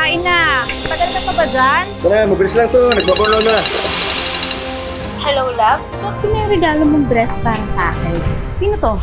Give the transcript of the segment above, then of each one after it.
kain na. Tagal ka pa ba dyan? Tara, mabilis lang to. Nagbaborno na. Hello, love? Suot ko na yung regalo mong dress para sa akin. Sino to?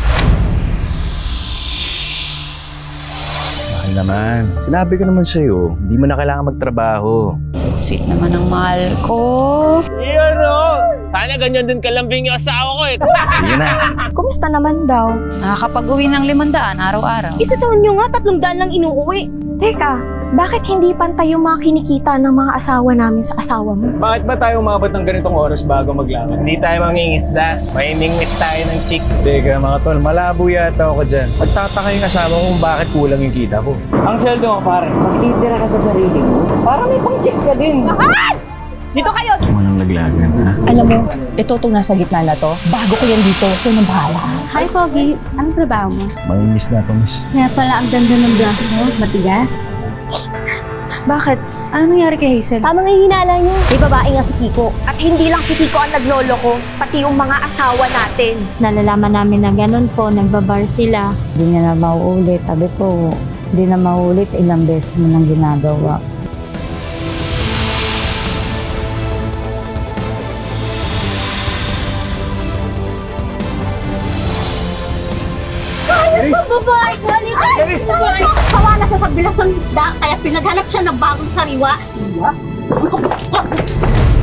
Mahal naman. Sinabi ko naman sa'yo, hindi mo na kailangan magtrabaho. Sweet naman ang mahal ko. Iyan o! Sana ganyan din kalambing yung asawa ko eh. Sige na. Kumusta naman daw? Nakakapag-uwi ng 500 araw-araw. Isa taon nyo nga, 300 lang inuuwi. Teka, bakit hindi pantay yung mga kinikita ng mga asawa namin sa asawa mo? Bakit ba tayo umabot ng ganitong oras bago maglaban? Hindi tayo mangingisda. Mainingwit tayo ng chick. Teka mga tol, malabo yata ako dyan. Pagtataka yung asawa ko kung bakit kulang yung kita ko. Ang sweldo mo pare, magtitira ka sa sarili mo. Para may pang chicks ka din. Dito kayo! Walang laglagan, ha? Alam mo, ito itong nasa gitna na to. Bago ko yan dito, ito nang bahala. Hi, Pogi. Anong trabaho mo? Mangingiss na ako, miss. Kaya pala ang ganda ng braso mo, matigas. Bakit? Ano nangyari kay Hazel? Tama nga yung hinala niyo. May babae nga si Kiko. At hindi lang si Kiko ang naglolo ko, pati yung mga asawa natin. Nalalaman namin na ganun po, nagbabar sila. Hindi niya na mauulit. Sabi ko, hindi na mauulit. Ilang beses mo nang ginagawa. Babae ko! Babae! Kawa na siya sa bilas ng isda, kaya pinaghanap siya ng bagong sariwa.